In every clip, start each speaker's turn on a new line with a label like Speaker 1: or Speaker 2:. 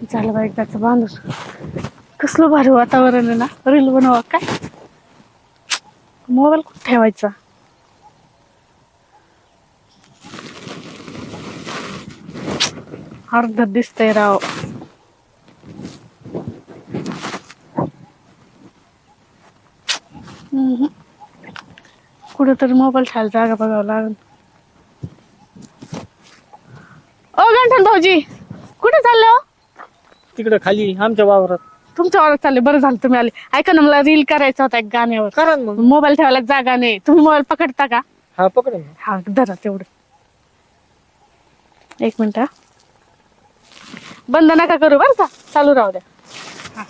Speaker 1: झालं बाई त्याचं बांधूस कसलं भारी वातावरण आहे ना. रील बनवा काय मोबाईल कुठे ठेवायचा. अर्ध दिसतंय राव. कुठेतरी मोबाईल ठेवायला जागा बघावं लागेल. ओ गंठन भाऊजी कुठे चालले हो?
Speaker 2: तिकडे खाली आमच्या वावरात.
Speaker 1: तुमच्या वावरात चालले. बरं झालं तुम्ही आले. ऐका ना मला रील करायचा होता एक गाण्यावर.
Speaker 2: करा ना मग.
Speaker 1: मोबाईल ठेवायला जागा नाही. तुम्ही मोबाईल पकडता का?
Speaker 2: हा पकड ना.
Speaker 1: हा धरा तेवढं. एक मिनिट हा. बंद नका करू बरं का. चालू राहू द्या. हा.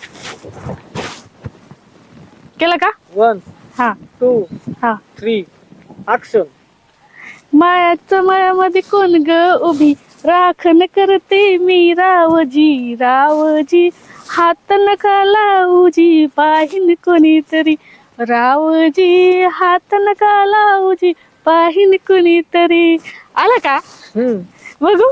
Speaker 1: केलं का?
Speaker 2: 1
Speaker 1: हा
Speaker 2: 2
Speaker 1: हा.
Speaker 2: 3 ऍक्शन.
Speaker 1: मायाच्या मायामध्ये कोण ग उभी राखण करते मी रावजी रावजी हात नका लावूजी पाहिन कोणीतरी रावजी हात नका लावूजी पाहिन कोणीतरी. आला का? बघू.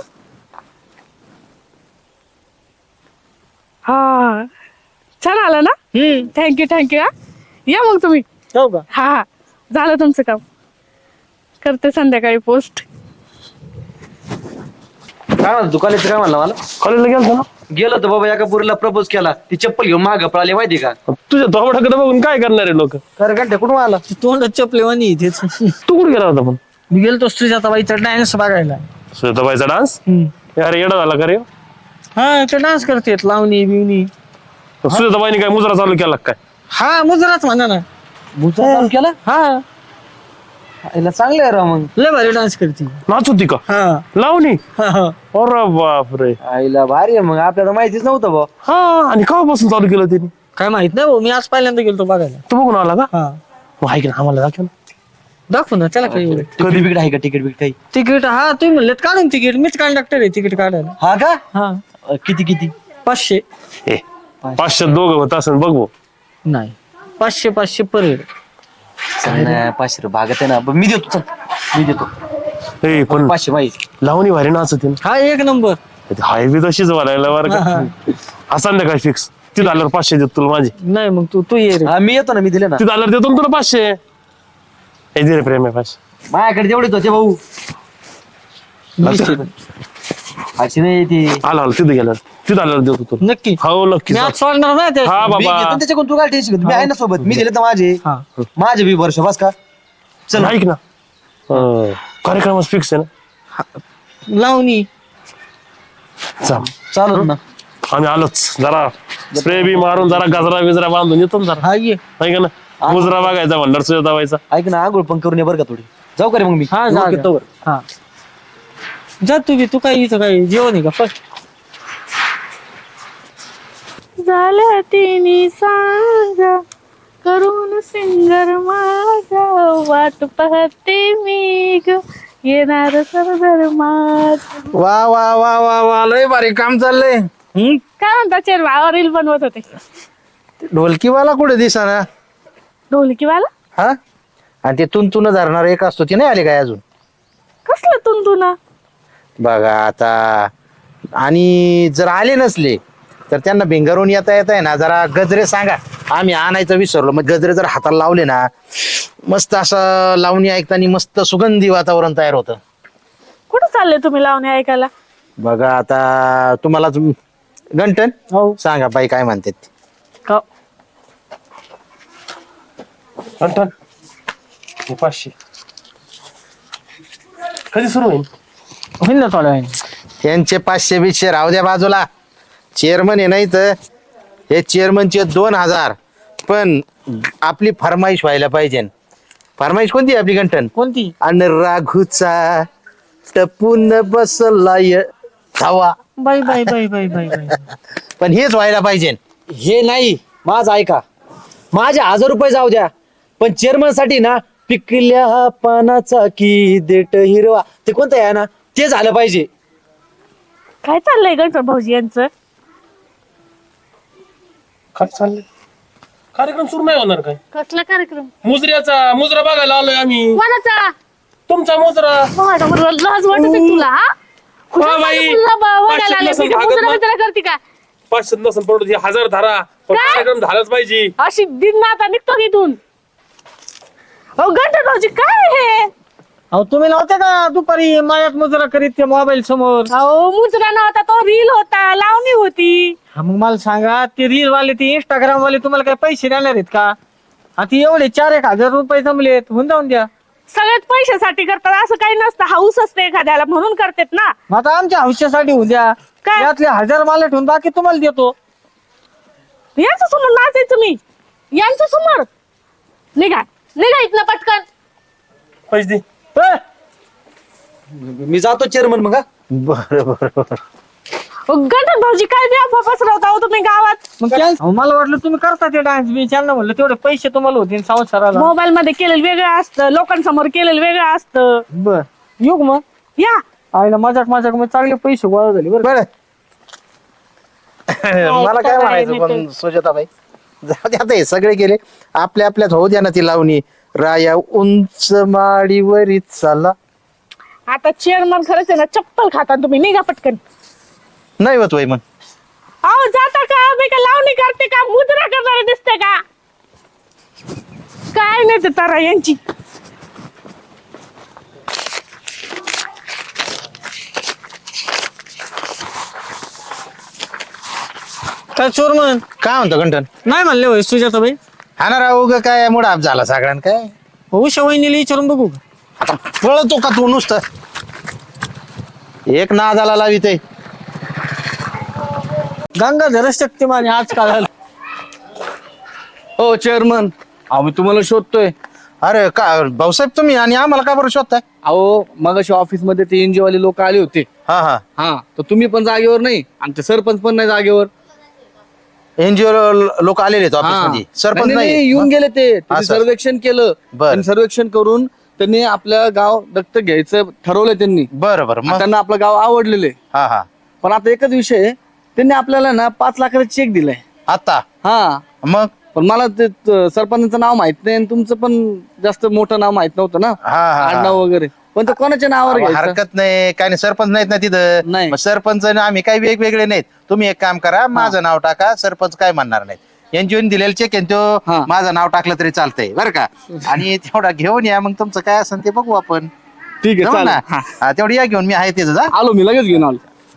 Speaker 1: हा छान आला ना. थँक्यू हा. या मग तुम्ही.
Speaker 2: हो का?
Speaker 1: हा झालं तुमचं काम. करते संध्याकाळी पोस्ट.
Speaker 3: काय म्हणतो कॉलेजचं काय म्हणलं मला?
Speaker 4: कॉलेजला गेलतो ना.
Speaker 3: गेलो तर बाबा एका पोरीला प्रपोज केला. ती चप्पल घेऊन मागं पळाली माहिती का?
Speaker 4: तुझ्या तोंडाकडे बघून काय करणार आहे लोक.
Speaker 3: खरं घंटे कुठून आला?
Speaker 2: तोंड चपले वाणी तेच.
Speaker 4: तू कुठे गेला होता पण?
Speaker 2: मी गेलतो सुजाताबाईचा डान्स बघायला.
Speaker 4: सुजाताबाईचा डान्स. अरे येडा झाला का रे.
Speaker 2: हा ते डान्स करतेत लावणी बिवणी.
Speaker 4: सुजाताबाईने काय मुजरा चालू केला काय?
Speaker 2: हा मुजराच म्हणा ना.
Speaker 3: मुद्दा चालू केला?
Speaker 2: हा
Speaker 3: याला चांगलं आहे राव मग.
Speaker 2: लय भारी डान्स करते.
Speaker 4: नाच होती का?
Speaker 2: हा
Speaker 4: लावणी.
Speaker 2: हा हा.
Speaker 4: अरे बापरे.
Speaker 3: आईला भारी आहे मग. आपल्याला माहितीच नव्हतं बा.
Speaker 4: हा आणि केव्हापासून चालू केलं त्यांनी?
Speaker 2: काय माहित नाही भाऊ. मी आज पहिल्यांदा गेलतो बघायला.
Speaker 4: तू बघून आला का?
Speaker 2: हा
Speaker 4: मग ऐक ना आम्हाला दाखव ना.
Speaker 2: दाखव ना त्याला काही एवढं.
Speaker 3: तिकीट बिकट आहे का? तिकीट बिकट काही?
Speaker 2: तिकीट हा तुम्ही म्हणलेत काढून तिकीट. मीच कंडक्टर आहे तिकीट काढायला.
Speaker 3: हा का?
Speaker 2: हा
Speaker 3: किती किती?
Speaker 2: 500.
Speaker 4: ए 500 दोघं होत असं बघ भाऊ.
Speaker 2: नाही 500 पर हेड.
Speaker 3: 500 भागत आहे ना. मी देतो चल. मी देतो
Speaker 4: ए पण
Speaker 3: 500 माहिती.
Speaker 4: लावणी भारी नाचते ना.
Speaker 2: हा एक नंबर.
Speaker 4: हाय बी तशीच वाढायला बरं का. हा संध्याकाळी फिक्स. तिथं आल्यावर 500 देतो तुला माझे.
Speaker 2: नाही मग तू ये रे.
Speaker 3: हा मी येतो ना. मी दिले ना.
Speaker 4: तिथं आल्यावर देतो ना तुला 500. ए दे रे प्रेम आहे 500.
Speaker 3: माझ्याकडे तेवढेच होते भाऊ. 500 नाही ती.
Speaker 4: आला तिथं गेल्यावर तिथं आल्यावर देतो तुला.
Speaker 2: नक्की.
Speaker 4: हो नक्की.
Speaker 2: मी आज सोडणार नाही ते.
Speaker 4: हा
Speaker 3: मी
Speaker 4: बाबा.
Speaker 3: घेतो त्याच्याकडून. तू काय टेन्शन घेतो. मी आहे ना सोबत. मी दिले तर माझे.
Speaker 2: हा.
Speaker 3: माझे बी वर्ष बस का. चल
Speaker 4: ऐक ना कार्यक्रमात फिक्स आहे ना.
Speaker 2: लावणी.
Speaker 4: चल
Speaker 3: चालत ना.
Speaker 4: आम्ही आलोच. जरा स्प्रे बी मारून जरा गजरा बिजरा बांधून येतो ना जरा.
Speaker 2: हा ये.
Speaker 4: ऐक ना मुजरा बघायचा म्हणणार सुजाताबाईचा.
Speaker 3: ऐक ना आंघोळ पण करून ये बरं का थोडी. जाऊ का रे मग मी?
Speaker 2: हा जा
Speaker 3: ओके,
Speaker 2: जा.
Speaker 3: तोवर.
Speaker 2: हा जा तू काय इथं काय जेवण आहे का फर्स्ट.
Speaker 1: झाल्या तिने सांगा करून सिंगर माझा वाट पाहते मी ग येणार सरदार माझ.
Speaker 5: वा वा वा वा वा लय भारी काम चाललंय.
Speaker 1: काय म्हणता चेर रील बनवत होते.
Speaker 5: ढोलकीवाला कुठे दिसाना?
Speaker 1: ढोलकीवाला
Speaker 5: हा आणि ते तुंतुन धरणार एक असतो ती नाही आली काय अजून?
Speaker 1: कसलं तुंतुना?
Speaker 5: बघा आता. आणि जर आले नसले तर त्यांना भिंगारून येता आहे ना जरा गजरे सांगा. आम्ही आणायचं विसरलो. मग गजरे जर हाताला लावले ना मस्त असं लावणी ऐकताना मस्त सुगंधी वातावरण तयार होतं.
Speaker 1: कुठं चालले तुम्ही लावणी ऐकायला?
Speaker 5: बघा आता तुम्हाला गंटन
Speaker 2: हो
Speaker 5: सांगा बाई काय म्हणतात.
Speaker 4: अंटन 500 कधी सुरू होईल?
Speaker 2: होईल ना थोड्या वेळाने.
Speaker 5: त्यांचे 500 बिशे राहू द्या बाजूला. चेअरमन आहे नाही तर हे चेअरमनचे 2000. पण आपली फरमाईश व्हायला पाहिजे. फरमाईश कोणती आपली गंठन?
Speaker 2: कोणती?
Speaker 5: अन राघूचा टपून बसला धावा.
Speaker 2: बाई बाई बाई बाई बाई बाई.
Speaker 5: पण हेच व्हायला पाहिजे.
Speaker 3: हे नाही माझं ऐका. माझे 1000 रुपये जाऊ द्या. पण चेअरमन साठी ना पिकल्या पानाचा की देट हिरवा ते कोणतं आहे ना ते झालं पाहिजे.
Speaker 1: काय चाललंय गणपत भाऊजी यांचं?
Speaker 4: काय चाललंय? कार्यक्रम सुरू नाही होणार काय?
Speaker 1: कसला कार्यक्रम?
Speaker 4: मुजरा बघायला आलोय आम्ही.
Speaker 1: कोणाचा?
Speaker 4: तुमचा मुजरा.
Speaker 1: लाज वाटत तुला? हा
Speaker 4: बाई.
Speaker 1: करते का?
Speaker 4: 500 नसेल पडत 1000 धारा पण
Speaker 1: काय?
Speaker 4: कार्यक्रम झालाच पाहिजे.
Speaker 1: अशी दिन ना आता निघतो की इथून. अहो गंठन भाऊजी काय हे?
Speaker 2: अहो तुम्ही नव्हते का दुपारी मायात मुजरा करीत ते मोबाईल समोर?
Speaker 1: अहो मुजरा नव्हता तो रील होता, लावणी होती.
Speaker 2: हा, मग मला सांगा ते रील वाले ते इंस्टाग्राम वाले तुम्हाला काय पैसे देणार आहेत का? आता एवढे 4-1 हजार रुपये जमलेत, होऊन जाऊन द्या.
Speaker 1: सगळ्यात पैशासाठी करतात असं काही नसतं. हाऊस असते एखाद्याला म्हणून करतात ना.
Speaker 2: मग आता आमच्या हौशासाठी होऊन द्या.
Speaker 1: काय?
Speaker 2: यातले 1000 मला ठेवून बाकी तुम्हाला देतो.
Speaker 1: यांच्या समोर नाचायचं मी? यांच्या समोर निघा इथनं पटकन.
Speaker 4: पैसे दे.
Speaker 2: ए,
Speaker 3: मी जातो चेअरमन मग हा.
Speaker 5: बरं बरं बरं.
Speaker 1: गंठन भाऊजी काय बी अफवा पसरवता हो तुम्ही गावात.
Speaker 2: मग अहो, मला वाटलं तुम्ही करता ते डान्स मी त्यांना म्हणलं तेवढे पैसे तुम्हाला होतील संसाराला.
Speaker 1: मोबाईल मध्ये केलेलं वेगळं असतं, लोकांसमोर केलेलं वेगळं असतं.
Speaker 2: बर येऊ का मग?
Speaker 1: या
Speaker 2: आईला मजाक मग चांगले पैसे गोळा झाले बरं.
Speaker 5: बरं मला काय
Speaker 1: काय
Speaker 5: म्हणायचं
Speaker 1: नाही
Speaker 5: पण सुजाताबाई, जाऊ दे आता हे सगळे गेले, आपल्या आपल्यात होऊ द्या ना ती लावणी. राया उंच माडीवरी चाला.
Speaker 1: आता चेअरमन खरंच आहे ना, चप्पल खाता तुम्ही. निघा पटकन.
Speaker 5: नाही होत वय मग.
Speaker 1: अहो जाता का? मी का लावणी करते का? मुद्रा करणारे दिसते का? काय नाही ते तारा यांची.
Speaker 2: काय चोरमन
Speaker 5: काय म्हणतो कंठन?
Speaker 2: नाही म्हणले होय सुजाताबाई?
Speaker 5: हा ना राहू ग, काय मुडाप झाला सगळ्यां काय.
Speaker 2: उषा वहिनीला विचारून बघू का?
Speaker 5: आता पळतो का तू नुसतं? एक नादाला लावित आहे.
Speaker 2: गंगाधर शक्तिमान आजकाल.
Speaker 6: हो चेअरमन, आम्ही तुम्हाला शोधतोय.
Speaker 5: अरे का भाऊसाहेब तुम्ही आणि आम्हाला का बरं शोधताय?
Speaker 6: अहो मगाशी ऑफिस मध्ये ते एनजीओ वाले लोक आले होते.
Speaker 5: हा हा.
Speaker 6: हा, तर तुम्ही पण जागेवर नाही आणि ते सरपंच पण नाही जागेवर.
Speaker 5: एनजीओ लोक आलेले आहेत ऑफिस
Speaker 6: हा.
Speaker 5: मध्ये, सरपंच
Speaker 6: नाही, नाही,
Speaker 5: नाही
Speaker 6: येऊन गेले ते. त्यांनी
Speaker 5: असं.
Speaker 6: सर्वेक्षण केलं.
Speaker 5: बरं.
Speaker 6: त्यांनी सर्वेक्षण करून त्यांनी आपलं गाव दत्तक घ्यायचं ठरवलं त्यांनी.
Speaker 5: बरं बरं
Speaker 6: आणि
Speaker 5: मग.
Speaker 6: त्यांना आपलं गाव आवडलेले.
Speaker 5: हा हा.
Speaker 6: पण आता एकच विषय आहे, त्यांनी आपल्याला ना 5 लाखाचा चेक दिलाय.
Speaker 5: आता
Speaker 6: हा,
Speaker 5: मग.
Speaker 6: पण मला ते सरपंचाचं नाव माहित नाही आणि तुमचं पण जास्त मोठं नाव माहित नव्हतं ना,
Speaker 5: हा, हा.
Speaker 6: आडनाव वगैरे. पण ते कोणाच्या नावावर
Speaker 5: अहो,
Speaker 6: घ्यायचं?
Speaker 5: हरकत नाही, काय नाही, सरपंच नाहीत ना तिथं.
Speaker 6: नाही.
Speaker 5: मग सरपंच आणि आम्ही काही वेगवेगळे नाहीत. तुम्ही एक काम करा, माझं नाव टाका, सरपंच काय म्हणणार नाहीत. एनजीओ दिलेलं चेक आहे तो,
Speaker 6: हा.
Speaker 5: माझं नाव टाकलं तरी चालतंय बरं का. आणि तेवढा घेऊन या, मग तुमचं काय असेल ते बघू आपण.
Speaker 6: ठीक आहे,
Speaker 5: जमलं
Speaker 6: चालेल.
Speaker 5: ना?
Speaker 6: हा.
Speaker 5: हा, तेवढी या घेऊन, मी आहे तिथं जा.
Speaker 6: आलो, मी लगेच घेऊन आलो.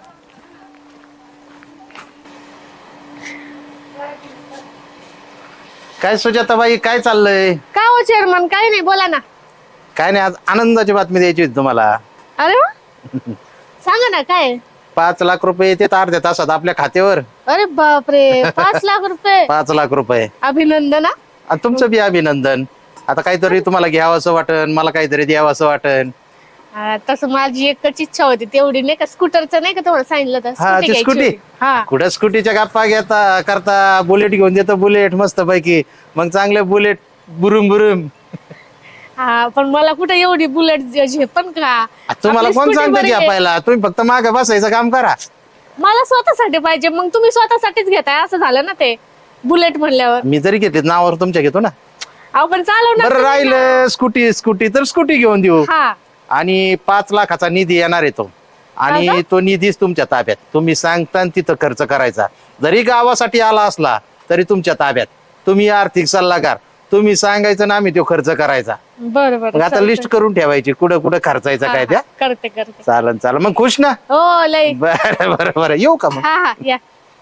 Speaker 5: काय सुजाताबाई, काय चाललंय?
Speaker 1: काय हो चेअरमन? काय नाही, बोला ना.
Speaker 5: काय नाही, आज आनंदाची बातमी द्यायची होती तुम्हाला.
Speaker 1: अरे वा, सांगा ना काय.
Speaker 5: 5 लाख रुपये येते अर्ध्या तासात आपल्या खात्यावर.
Speaker 1: अरे बापरे, 5 लाख रुपये.
Speaker 5: 5 लाख रुपये.
Speaker 1: अभिनंदन हा.
Speaker 5: आणि तुमचं बी अभिनंदन. आता काहीतरी तुम्हाला घ्यावं असं वाटन, मला काहीतरी द्यावं असं वाटन.
Speaker 1: तसं माझी एकच इच्छा होती तेवढी, नाही का, स्कूटरचं नाही का तुम्हाला सांगितलं तर
Speaker 5: हा, ती
Speaker 1: घ्यायची
Speaker 5: स्कूटी.
Speaker 1: होती. हा.
Speaker 5: कुठं स्कूटीच्या गप्पा घेता करता, बुलेट घेऊन देतो, बुलेट मस्त पैकी. मग चांगले बुलेट बुरुम बुरुम.
Speaker 1: हा, पण मला कुठं एवढी बुलेट झेपन का?
Speaker 5: तुम्हाला
Speaker 1: आपली
Speaker 5: कोण
Speaker 1: scooty
Speaker 5: सांगतं
Speaker 1: बरी
Speaker 5: घ्या
Speaker 1: आहे.
Speaker 5: पाहिला? तुम्ही फक्त मागे बसायचं काम करा.
Speaker 1: मला स्वतःसाठी पाहिजे, मग तुम्ही स्वतःसाठीच घेताय असं झालं ना. ते बुलेट म्हणल्यावर
Speaker 5: मी जरी घेतली नावावर तुमच्या घेतो ना.
Speaker 1: आपण चालवणार
Speaker 5: बरं
Speaker 1: तुम्ही ना.
Speaker 5: राहिलं स्कूटी, स्कूटी तर स्कूटी घेऊन देऊ.
Speaker 1: हा.
Speaker 5: आणि 5 लाखाचा निधी येणार आहे तो. आणि तो निधीच तुमच्या ताब्यात. तुम्ही सांगता आणि तिथं खर्च करायचा. जरी गावासाठी आला असला तरी तुमच्या ताब्यात. तुम्ही आर्थिक सल्लागार, तुम्ही सांगायचं ना, आम्ही तो खर्च करायचा.
Speaker 1: बरं
Speaker 5: मग
Speaker 1: बरं,
Speaker 5: आता लिस्ट करून ठेवायची कुठं कुठं खर्चायचं काय त्या.
Speaker 1: करते.
Speaker 5: चालन चालन, मग खुश ना?
Speaker 1: हो लय.
Speaker 5: बरं बरं बरं, येऊ का मग?
Speaker 1: हा या.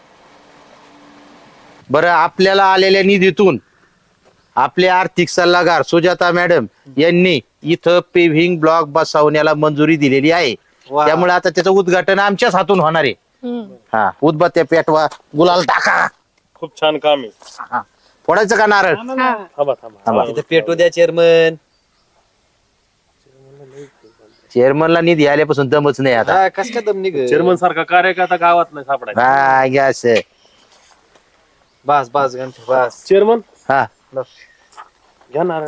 Speaker 5: बरं, आपल्याला आलेल्या निधीतून आपले आर्थिक सल्लागार सुजाता मॅडम यांनी इथं पेव्हिंग ब्लॉक बसवण्याला मंजुरी दिलेली आहे. त्यामुळे आता त्याचं उद्घाटन आमच्याच हातून होणार आहे. हा, उदबत्त्या पेटवा, गुलाल टाका.
Speaker 4: खूप छान काम आहे.
Speaker 5: हा, फोडायचं का नारळ?
Speaker 4: थांबा.
Speaker 3: तिथे पेटू द्या चेअरमन.
Speaker 5: चेअरमनला निधी आल्यापासून दमच नाही आता.
Speaker 3: कस काय दम निघ.
Speaker 4: चेअरमन सारखा कार्यकर्ता गावात नाही सापडायचा.
Speaker 5: हा, गॅस.
Speaker 3: बस बस गणपती बस.
Speaker 4: चेअरमन
Speaker 5: हा,
Speaker 4: घ्या नारळ.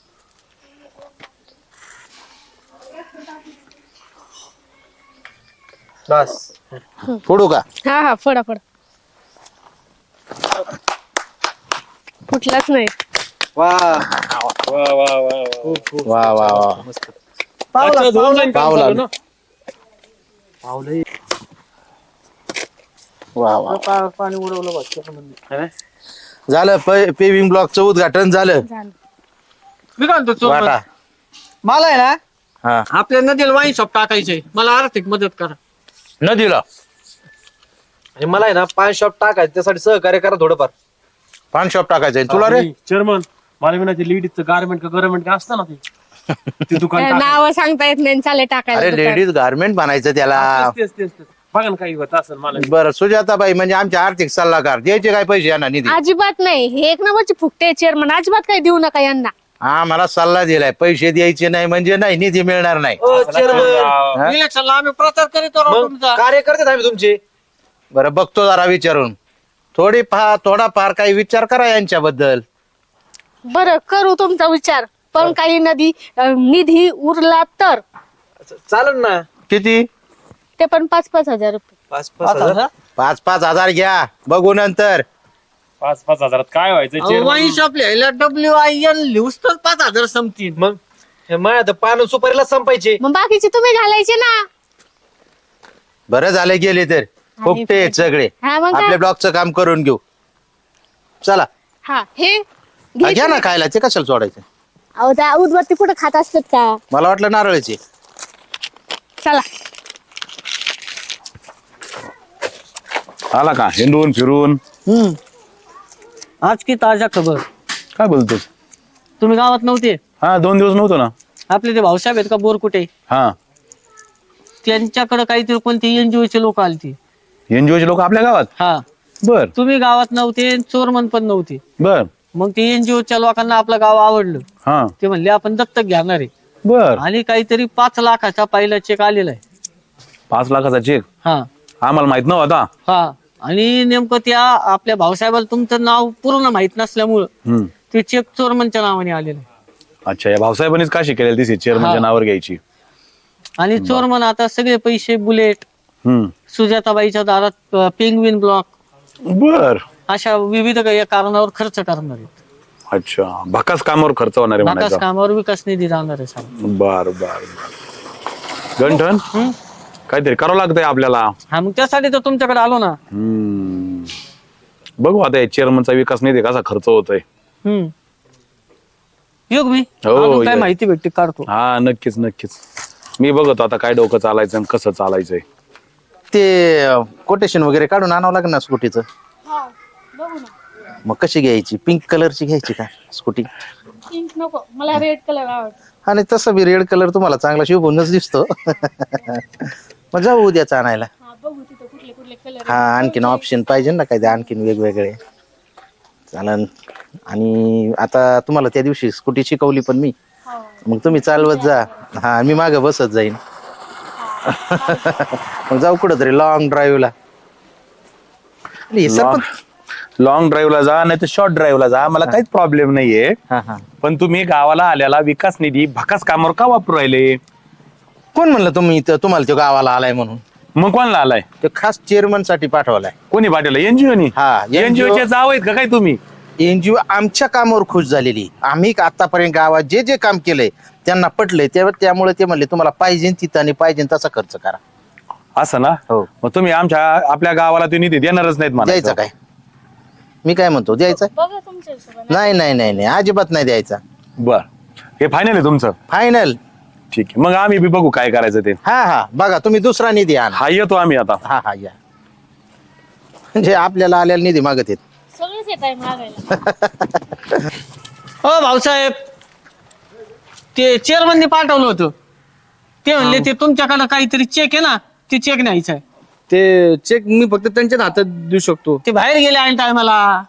Speaker 3: बस.
Speaker 5: फोडू का?
Speaker 1: हा फोडा. फुटलाच नाही.
Speaker 3: वा
Speaker 4: वा वा वा वा.
Speaker 5: वा वा वा.
Speaker 3: मस्त.
Speaker 4: अच्छा, online काम
Speaker 5: पावला.
Speaker 4: झालं ना?
Speaker 5: वा वा
Speaker 2: पाणी उडवलं बघ चेअरमनने.
Speaker 5: झालं पेविंग ब्लॉकचं उद्घाटन झालं.
Speaker 1: झालं.
Speaker 2: मी काय म्हणतो चेअरमन,
Speaker 5: वाटा
Speaker 2: मला आहे ना
Speaker 5: हा
Speaker 2: आपल्या नदीला वाईन शॉप टाकायचंय, मला आर्थिक मदत करा.
Speaker 5: नदीला
Speaker 3: आणि मला आहे ना पान शॉप टाकायचं त्यासाठी सहकार्य करा थोडंफार.
Speaker 5: पान शॉप टाकायचंय तुला रे.
Speaker 4: चेअरमन मला विनायचे लेडीजचं गार्मेंट का गव्हर्नमेंट का असतं ना ते दुकान टाकायचं.
Speaker 1: नाव सांगता येत नाही चाले टाकायला
Speaker 5: अरे
Speaker 1: दुकान.
Speaker 5: लेडीज गार्मेंट बनायचं त्याला.
Speaker 4: तेच तेच तेच. बघा ना काही होत असेल मला.
Speaker 5: बरं सुजाताबाई म्हणजे आमचे आर्थिक सल्लागार, द्यायचे काय पैसे यांना निधी?
Speaker 1: अजिबात नाही, हे एक नंबरची फुकटे चेअरमन, अजिबात काही देऊ नका यांना.
Speaker 5: हा मला सल्ला दिलाय, पैसे द्यायचे नाही म्हणजे नाही, निधी मिळणार नाही.
Speaker 3: चेअरमन
Speaker 2: इलेक्शनला आम्ही प्रचार करीत राहू
Speaker 3: मग
Speaker 2: तुमचा.
Speaker 3: कार्यकर्ते आम्ही तुमचे.
Speaker 5: बरं बघतो जरा विचारून, थोडाफार काही विचार करा यांच्याबद्दल.
Speaker 1: बरं करू तुमचा विचार, पण काही निधी उरला तर
Speaker 3: चालेल ना.
Speaker 5: किती?
Speaker 1: ते पण 5-5 हजार रुपये.
Speaker 3: 5-5 हजार.
Speaker 5: 5-5 हजार घ्या, बघू नंतर.
Speaker 4: 5-5 हजारात काय व्हायचं
Speaker 2: अहो,
Speaker 4: चेअरमन?
Speaker 2: वाईन शॉप लिहायला WIN लिहूच तर 5,000 संपतील.
Speaker 3: मग हे माझ्या तर पान सुपारीला संपायचे.
Speaker 1: मग बाकीचे तुम्ही घालायचे ना.
Speaker 5: बरं झालं गेले तर, फुकटे आहेत सगळे.
Speaker 1: हा मग
Speaker 5: आपल्या
Speaker 1: काय?
Speaker 5: ब्लॉकचं काम करून घेऊ. चला
Speaker 1: हा हे
Speaker 5: हा, घ्या ना खायला, ते कशाला सोडायचं?
Speaker 1: अहो त्या उदबत्ती कुठे खात असतात का?
Speaker 5: मला वाटलं नारळाची.
Speaker 1: चला
Speaker 7: आला का हिंडून फिरून?
Speaker 2: आज की ताजा खबर,
Speaker 7: काय बोलतोस?
Speaker 2: तुम्ही गावात नव्हते.
Speaker 7: हा 2 दिवस नव्हतो ना.
Speaker 2: आपले ते भाऊसाहेब आहेत का बोरकुटे,
Speaker 7: हा
Speaker 2: त्यांच्याकडे काहीतरी कोणती NGO चे लोक आलती.
Speaker 7: एनजीओचे लोक आपल्या गावात.
Speaker 2: हा
Speaker 7: बर
Speaker 2: तुम्ही गावात नव्हते, चोरमन पण नव्हते.
Speaker 7: बर
Speaker 2: मग ते NGO च्या लोकांना आपलं गाव आवडलं,
Speaker 7: हा
Speaker 2: ते म्हणले आपण दत्तक घेणार आहे.
Speaker 7: बर.
Speaker 2: आणि काहीतरी 5 लाखाचा पहिला चेक आलेला आहे.
Speaker 7: 5 लाखाचा चेक
Speaker 2: हा
Speaker 7: आम्हाला माहित नव्हता.
Speaker 2: हा आणि नेमकं त्या आपल्या भाऊसाहेबाला तुमचं नाव पूर्ण माहित नसल्यामुळं
Speaker 7: हम्म.
Speaker 2: ते चेक चोरमनच्या नावाने आलेलं आहे.
Speaker 7: अच्छा या भाऊसाहेबांनीच काशी केलेली दिसे चेअरमनच्या नावावर घ्यायची.
Speaker 2: आणि चोरमन आता सगळे पैसे बुलेट,
Speaker 7: हम्म.
Speaker 2: सुजाताबाईच्या दारात पेंग्विन ब्लॉक,
Speaker 7: बर.
Speaker 2: अशा विविध काही कारणावर खर्च करणार आहेत.
Speaker 7: अच्छा भकास कामावर खर्च होणार आहे
Speaker 2: विकास
Speaker 7: म्हणायचा.
Speaker 2: कामावर विकास निधी राहणार आहे साहेब.
Speaker 7: बर बर गंठन काहीतरी करावं लागतंय आपल्याला.
Speaker 2: हा मग त्यासाठी तर तुमच्याकडे आलो ना.
Speaker 7: हम्म. बघू आता चेअरमनचा विकास निधी कसा खर्च होतोय.
Speaker 2: हम्म योग मी
Speaker 7: हो,
Speaker 2: अजून काय
Speaker 7: या.
Speaker 2: माहिती भेटते काढतो.
Speaker 7: हा नक्कीच नक्कीच. मी बघतो आता काय डोकं चालायचं आणि कसं चालायचंय.
Speaker 5: ते कोटेशन वगैरे काढून आणावं लागेल ना स्कूटीचं. मग कशी घ्यायची? पिंक कलरची घ्यायची का स्कूटी?
Speaker 1: पिंक नको, मला रेड कलर आवडतो.
Speaker 5: आणि तसं बी रेड कलर तुम्हाला चांगला शिवूनच दिसतो. मग जाऊ उद्याच आणायला.
Speaker 1: बघू तिथं कुठले कुठले कलर.
Speaker 5: हा आणखीन ऑप्शन पाहिजे ना काय, आणखीन वेगवेगळे. चालन. आणि आता तुम्हाला त्या दिवशी स्कूटी शिकवली पण मी, मग तुम्ही चालवत जा. हा मी मागे बसत जाईन. मग जाऊ कुठं तरी लॉंग ड्राईव्हला.
Speaker 7: लॉंग ड्राईव्हला जा नाही तर शॉर्ट ड्राईव्हला जा, मला काहीच प्रॉब्लेम नाहीये.
Speaker 5: हा हा.
Speaker 7: पण तुम्ही गावाला आल्याला विकास निधी भकास कामावर का वापरू राहिले?
Speaker 5: कोण म्हणलं तुम्हाला तो गावाला आलाय म्हणून?
Speaker 7: मग कोणाला आलाय?
Speaker 5: तो खास चेअरमन साठी पाठवलाय.
Speaker 7: कोणी पाठवलं? एनजीओनी.
Speaker 5: हा, NGO.
Speaker 7: एनजीओचे जाव आहेत का काय तुम्ही?
Speaker 5: NGO आमच्या कामावर खुश झालेली. आम्ही आतापर्यंत गावात जे जे काम केलंय त्यांना पटलंय, त्यामुळे ते म्हणले तुम्हाला पाहिजे तिथं आणि पाहिजे तसा खर्च करा.
Speaker 7: असं ना?
Speaker 5: हो.
Speaker 7: मग तुम्ही आपल्या गावाला ते निधी देणारच नाहीत
Speaker 5: द्यायचा
Speaker 7: म्हणायचं.
Speaker 5: काय? मी काय म्हणतो, द्यायचा?
Speaker 1: बघा तुमच्या हिशोबाने.
Speaker 5: नाही नाही नाही नाही, अजिबात नाही द्यायचा.
Speaker 7: बर हे फायनल आहे तुमचं?
Speaker 5: फायनल.
Speaker 7: ठीक आहे मग आम्ही बी बघू काय करायचं ते.
Speaker 5: हा हा बघा, तुम्ही दुसरा निधी आणा.
Speaker 7: हा येतो आम्ही आता.
Speaker 5: हा हा या. म्हणजे आपल्याला आलेला निधी मागत येत.
Speaker 1: सगळेच येत आहे मागायला.
Speaker 2: हो भाऊसाहेब, ते चेअरमनने पाठवलं होतं. ते म्हणले ते तुमच्याकडे काहीतरी चेक आहे ना, ते चेक न्यायचा आहे.
Speaker 6: ते चेक मी फक्त त्यांच्याच हातात देऊ शकतो.
Speaker 2: ते बाहेर गेले आणि टायमाला.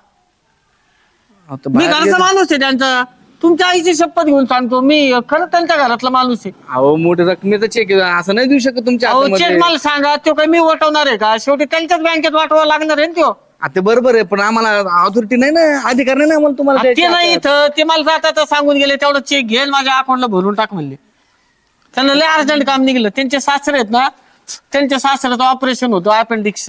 Speaker 6: आता
Speaker 2: मी
Speaker 6: बाहेर
Speaker 2: घरचा
Speaker 6: गेले-
Speaker 2: माणूस आहे त्यांचा. तुमच्या आईची शपथ घेऊन सांगतो, मी खरं त्यांच्या घरातला माणूस आहे.
Speaker 6: अहो मोठ्या रकमेचा चेक असं नाही देऊ शकत तुमच्या
Speaker 2: अहो चेक
Speaker 6: हातामध्ये.
Speaker 2: मला सांगा, तो काही मी वटवणार आहे का? शेवटी त्यांच्याच बँकेत वाटवा लागणार आहे ना तो.
Speaker 6: आता ते बरोबर आहे, पण आम्हाला ऑथॉरिटी नाही ना, अधिकार नाही ना आम्हाला तुम्हाला
Speaker 2: ते
Speaker 6: द्यायचे
Speaker 2: नाही
Speaker 6: हातात.
Speaker 2: इथं, ते मला जाता सांगून गेले तेवढं चेक घेऊन माझ्या अकाउंटला भरून टाक म्हणले. त्यांना लय अर्जंट काम निघलं. त्यांचे सासरे आहेत ना, त्यांच्या सासऱ्याचं ऑपरेशन होतं अपेंडिक्स.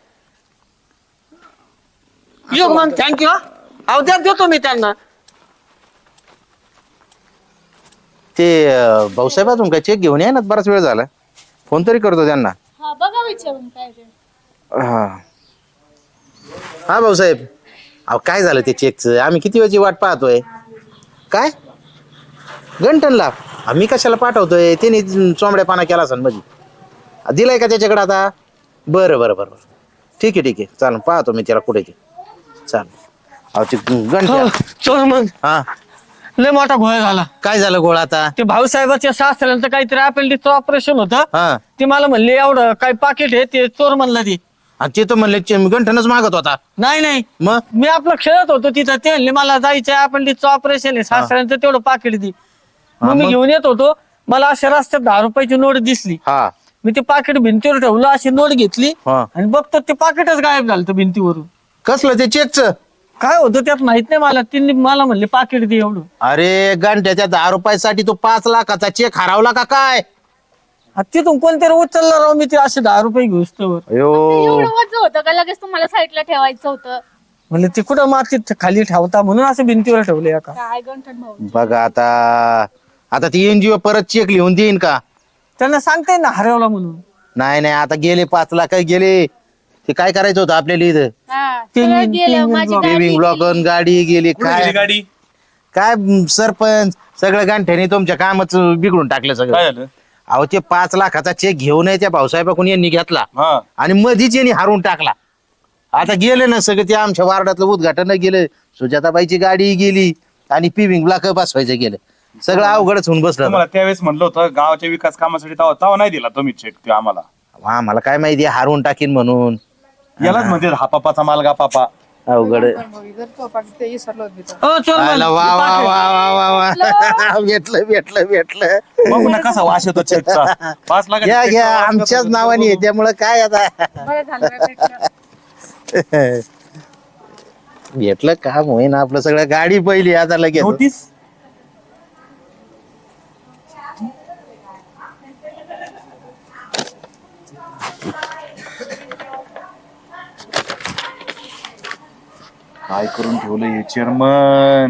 Speaker 2: योग मग थँक्यू. अवध्यात देतो मी त्यांना.
Speaker 5: ते भाऊसाहेब अजून काय चेक घेऊन या ना, बराच वेळ झाला. फोन तरी करतो त्यांना.
Speaker 1: हा बघा विचारून काय ते.
Speaker 5: हा हा भाऊसाहेब, अहो काय झालं ते चेकचं? आम्ही किती वेळची वाट पाहतोय. काय गंठनला आम्ही कशाला पाठवतोय? त्याने चोंबड्या पाना केला असेल मध्ये. दिलाय का त्याच्याकडे आता? बरं बरं बरं बरं, ठीक आहे चालेल, पाहतो मी त्याला कुठे ते. चालेल. अहो ते गंठन.
Speaker 2: चोर मग
Speaker 5: हा
Speaker 2: लय मोठा घोळ झाला.
Speaker 5: काय झालं गोळा आता?
Speaker 2: ते भाऊसाहेबाच्या सासऱ्यांचं काहीतरी अपेंडिक्सचं ऑपरेशन होतं.
Speaker 5: हा
Speaker 2: ते मला म्हणले एवढं काय पाकिट आहे ते चोर म्हणलं ते.
Speaker 5: आणि ते तर म्हणले गंठनच मागत होता.
Speaker 2: नाही
Speaker 5: मग
Speaker 2: मी आपलं खेळत होतो तिथं. ते म्हणले मला जायचं अपेंडिक्सचं ऑपरेशन आहे, सासऱ्यांचं तेवढं पाकिट दे. मग मी घेऊन येत होतो, मला अशा रस्त्यात 10 रुपयाची नोट दिसली.
Speaker 5: हा
Speaker 2: मी ते पाकिट भिंतीवर ठेवलं, अशी नोट घेतली
Speaker 5: हा.
Speaker 2: आणि बघतो ते पाकिटच गायब झालं तर भिंतीवरून.
Speaker 5: कसलं ते चेकचं?
Speaker 2: काय होतं त्यात माहित नाही मला. तिने मला म्हणले पाकिट दे एवढं.
Speaker 5: अरे गंठ्याच्या 10 रुपयासाठी तो 5 लाखाचा चेक हरवला का काय?
Speaker 2: तिथून कोणतरी उचलला राव मी ते असे 10 रुपये घेऊस तर.
Speaker 1: एवढं वज होतं का लगेच तुम्हाला साईडला ठेवायचं होतं?
Speaker 2: म्हणजे ते कुठं मातीत खाली ठेवता म्हणून असं भिंतीवर ठेवले का.
Speaker 1: काय गंठन भाऊ.
Speaker 5: बघा आता ती एनजीओ परत चेक लिहून देईन का?
Speaker 2: त्यांना सांगताय ना हरवला म्हणून.
Speaker 5: नाही आता गेले 5 लाख गेले. ते काय करायचं होतं आपल्याला इथं?
Speaker 1: हा, सगळं गेलं. माझी गाडी
Speaker 5: पेविंग ब्लॉक गाडी गेली.
Speaker 7: कुठे गेली गाडी?
Speaker 5: काय सरपंच सगळं गांठ्याने तुमच्या कामच बिघडून टाकलं
Speaker 7: काय
Speaker 5: सगळं.
Speaker 7: झालं?
Speaker 5: अहो ते 5 लाखाचा चेक घेऊन त्या भाऊसाहेबाकडून यांनी घेतला
Speaker 7: हा
Speaker 5: आणि मधीच यांनी हारून टाकला. आता गेले ना सगळे. ते आमच्या वार्डातलं उद्घाटन गेलं, सुजाताबाईची गाडी गेली आणि पिविंग ब्लॉक बसवायचं गेलं. सगळं अवघडच होऊन बसलं.
Speaker 7: तुम्हाला त्यावेळेस म्हणलं होतं गावाच्या विकास कामासाठी तवा नाही दिला तुम्ही चेक ते आम्हाला.
Speaker 5: आम्हाला काय माहिती हारून टाकीन म्हणून.
Speaker 7: यालाच म्हणजे हा पापाचा मालगा पापा.
Speaker 5: अवघड.
Speaker 2: हो चोर
Speaker 5: आला, वा वा वा वा वा वा. भेटलं.
Speaker 7: बघू ना कसा वास येतो चेकचा. 5 लाख
Speaker 5: घ्या आमच्याच नावाने आहे, त्यामुळं काय आता.
Speaker 1: बरं झालं का भेटलं?
Speaker 5: भेटलं काम होईना आपलं सगळं. गाडी पहिली आता लगेच.
Speaker 7: नोटीस. काय करून ठेवलं हे चेअरमन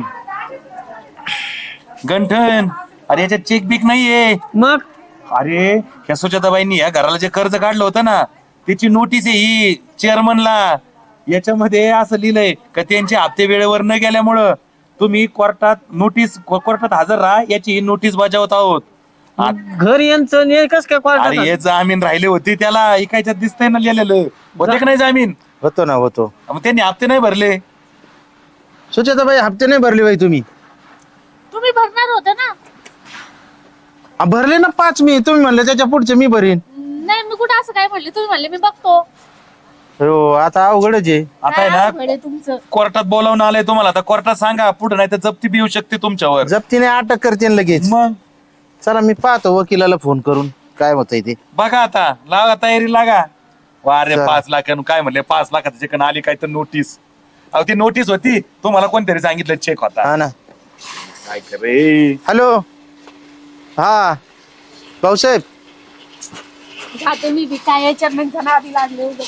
Speaker 7: गंठन? अरे याच्यात चेक बिक नाहीये.
Speaker 2: मग
Speaker 7: अरे ह्या सुजाताबाईंनी या घराला जे कर्ज काढलं होतं ना त्याची नोटीस आहे ही चेअरमनला. याच्यामध्ये असं लिहिलंय का त्यांचे हप्ते वेळेवर न गेल्यामुळं तुम्ही कोर्टात हजर राहा याची नोटीस बजावत आहोत.
Speaker 2: घर यांचं नाही कस काय
Speaker 7: अरे
Speaker 2: क्वार्टर.
Speaker 7: हे जामीन राहिले होते त्याला ऐकायच्यात दिसतंय ना लिहिलेलं. होते का नाही जामीन?
Speaker 5: होतो.
Speaker 7: मग त्यांनी हप्ते नाही भरले.
Speaker 5: सुचेताबाई हप्ते नाही भरले बाई तुम्ही?
Speaker 1: तुम्ही भरणार होते ना?
Speaker 5: भरले ना 5 मी. तुम्ही म्हणले त्याच्या पुढचे मी भरीन.
Speaker 1: नाही, मी कुठं असं काय म्हणले? तुम्ही म्हणले मी बघतो.
Speaker 5: हो आता अवघडच आहे.
Speaker 7: आता आहे
Speaker 1: काय
Speaker 7: ना
Speaker 1: अवघड आहे तुमचं?
Speaker 7: कोर्टात बोलावून आलंय तुम्हाला. आता कोर्टात सांगा पुढे नाही तर जप्ती बी येऊ शकते तुमच्यावर.
Speaker 5: जप्तीने अटक करते लगेच.
Speaker 7: मग
Speaker 5: चला मी पाहतो वकिलाला फोन करून काय होतंय ते.
Speaker 7: बघा आता लागा तयारी लागा. वारे
Speaker 5: चला.
Speaker 7: 5 लाख काय म्हणले 5 लाखाचं चिकन आली काय तर नोटीस. अहो ती नोटीस होती तुम्हाला कोणतरी सांगितलं चेक होता.
Speaker 5: हा ना.
Speaker 7: काय करे.
Speaker 5: हॅलो. हा भाऊसाहेब.
Speaker 1: जाते मी बी. काय चेअरमनच्या नादी लागले उगाच.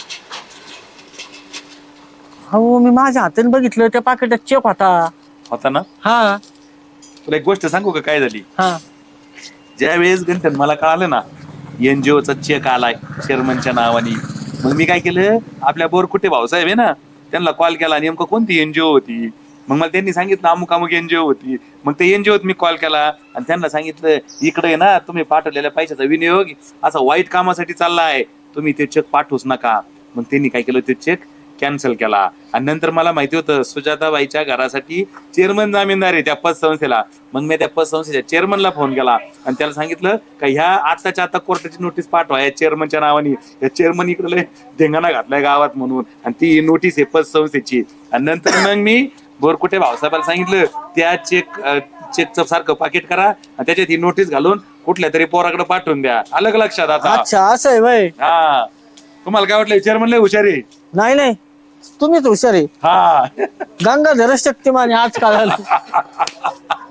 Speaker 2: हो मी माझ्या हाताने बघितलं त्या पाकिटात चेक
Speaker 7: होता ना.
Speaker 2: हा
Speaker 7: तुला एक गोष्ट सांगू का काय झाली.
Speaker 2: हा
Speaker 7: ज्या वेळेस गंठन मला कळालं ना एनजीओचा चेक आलाय चेअरमनच्या नावाने, मग मी काय केलं आपल्या बोरकुटे भाऊसाहेब आहे ना त्यांना कॉल केला. नेमकं कोणती एनजीओ होती मग मला त्यांनी सांगितलं अमुक एनजीओ होती. मग ते एनजीओत मी कॉल केला आणि त्यांना सांगितलं इकडे आहे ना तुम्ही पाठवलेल्या पैशाचा विनियोग असा वाईट कामासाठी चालला आहे, तुम्ही ते चेक पाठवूच नका. मग त्यांनी काय केलं ते चेक कॅन्सल केला. आणि नंतर मला माहिती होतं सुजाताबाईच्या घरासाठी चेअरमन जामीनदार आहे त्या पतसंस्थेला. मग मी त्या पतसंस्थेच्या चेअरमनला फोन केला आणि त्याला सांगितलं का ह्या आत्ताच्या आता कोर्टाची नोटीस पाठवा या चेअरमनच्या नावाने. या चेअरमन इकडे धिंगाणा घातलाय गावात म्हणून आणि ती नोटीस आहे पतसंस्थेची. आणि नंतर मग मी बोरकुटे भाऊसाहेबाला सांगितलं त्या चेकचं सारखं पाकिट करा आणि त्याच्यात ही नोटीस घालून कुठल्या तरी पोराकडे पाठवून द्या. अलग लक्षात आता.
Speaker 2: अच्छा असं आहे वय.
Speaker 7: हा तुम्हाला काय वाटलं चेअरमन लय हुशार आहे.
Speaker 2: नाही तुम्हीच हुशार आहे.
Speaker 7: हा
Speaker 2: गंगाधर शक्तिमान आज काळाला.